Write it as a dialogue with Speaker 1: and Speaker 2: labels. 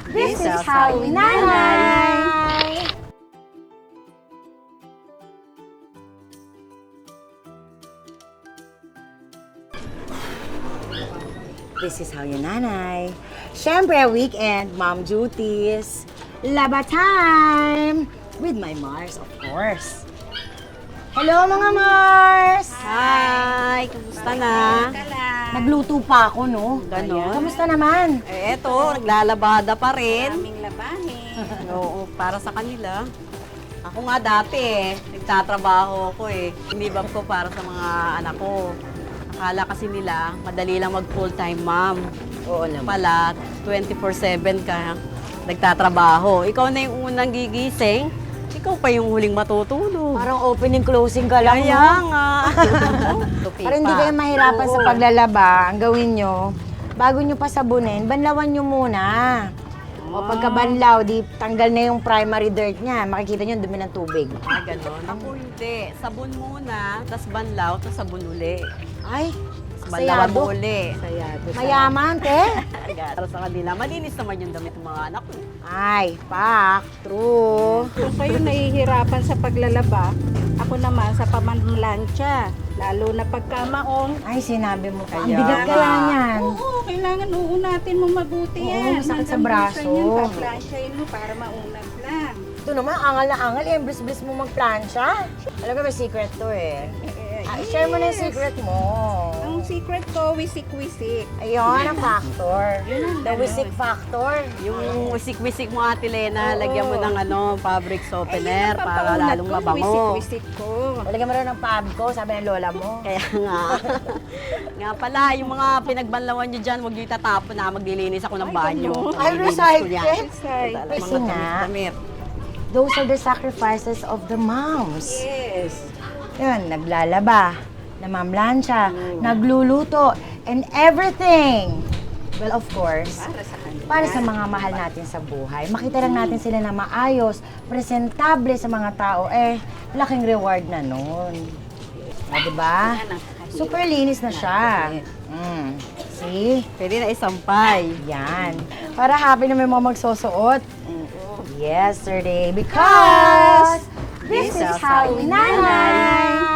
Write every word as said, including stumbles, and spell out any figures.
Speaker 1: This is how we nanay! This is how you nanay. Siyempre, weekend, mom duties, laba time! With my Mars, of course. Hello, mga Mars!
Speaker 2: Hi! Kamusta na?
Speaker 1: Nagluto pa ako, no?
Speaker 2: Ganon.
Speaker 1: Kamusta naman?
Speaker 2: Eh, eto, naglalabada pa rin.
Speaker 3: Maraming labahin.
Speaker 2: Oo, para sa kanila. Ako nga dati eh, nagtatrabaho ako eh. Inibab ko para sa mga anak ko. Akala kasi nila, madali lang mag full-time mom.
Speaker 1: Oo naman.
Speaker 2: Pala, twenty-four seven ka nagtatrabaho. Ikaw na yung unang gigising, ikaw pa yung huling matutulog.
Speaker 1: Parang opening closing ka lang,
Speaker 2: Kaya
Speaker 1: no?
Speaker 2: nga.
Speaker 1: Para hindi kayo mahirapan sa
Speaker 2: Oo.
Speaker 1: paglalaba, ang gawin nyo, bago nyo pa sabunin, banlawan nyo muna. O pagkabanlaw, di tanggal na yung primary dirt niya. Makikita nyo, dumi ng tubig.
Speaker 2: Ah, ganon. Ako hindi. Sabon muna, tas banlaw, tas sabon uli.
Speaker 1: Ay,
Speaker 2: Banlawan
Speaker 1: sayado.
Speaker 2: mo uli.
Speaker 1: Mayaman, te.
Speaker 2: Para sa kanila, malinis naman yung damit ng mga anak ko.
Speaker 1: Ay, pak, true.
Speaker 3: Kung kayo nahihirapan sa paglalaba, ako naman sa pamamlansya. Lalo na pagkamaong.
Speaker 1: Ay, sinabi mo pa. Ang
Speaker 2: Kaya
Speaker 1: bigat
Speaker 2: nga.
Speaker 1: kaya niyan.
Speaker 3: Oo, kailangan uunatin mo mabuti
Speaker 1: Oo,
Speaker 3: yan.
Speaker 1: masakit sa
Speaker 3: Hanggang
Speaker 1: braso.
Speaker 3: minsan Yun, paplansyahin mo para maunat lang.
Speaker 1: Ito naman, angal na angal. Eh, bliss-bliss mo magplansya. Alam ko, may secret to eh.
Speaker 3: Eh,
Speaker 1: Ah, share mo na yung
Speaker 3: yes.
Speaker 1: secret mo.
Speaker 3: Ang secret ko, wisik-wisik.
Speaker 1: Ayun, ang factor.
Speaker 3: Yun ang
Speaker 1: The
Speaker 3: ano
Speaker 1: wisik
Speaker 3: eh.
Speaker 1: factor.
Speaker 2: Yung wisik-wisik mo, Ate Lena,
Speaker 3: Oo.
Speaker 2: lagyan mo ng ano, fabric softener
Speaker 3: Ayun ang
Speaker 2: para
Speaker 3: pampaunat
Speaker 2: lalong
Speaker 3: ko,
Speaker 2: mabango.
Speaker 3: Wisik-wisik ko.
Speaker 1: Talagyan mo rin ng pab ko, sabi ng lola mo.
Speaker 2: Kaya nga. nga pala, yung mga pinagbanlawan nyo dyan, huwag nyo itatapon na, maglilinis ako ng banyo.
Speaker 3: ganun.
Speaker 1: Ay,
Speaker 2: Maglilinis ko
Speaker 1: recycle.
Speaker 2: yan.
Speaker 3: Say,
Speaker 1: Kasi
Speaker 2: Mga
Speaker 1: nga,
Speaker 2: damit-damit.
Speaker 1: those are the sacrifices of the moms.
Speaker 3: yes.
Speaker 1: Yun, naglalaba, namamlansya, nagluluto, and everything. Well, of course,
Speaker 3: Para sa kanila.
Speaker 1: para sa mga mahal natin sa buhay. Makita lang natin sila na maayos, presentable sa mga tao, eh, laking reward na nun. O, diba?
Speaker 3: Yan ang kahirap.
Speaker 1: Super linis na siya. Mm. See?
Speaker 2: Pwede na isampay.
Speaker 1: Yan. Para happy na may mga magsusuot. Yesterday, because this is how we nanay.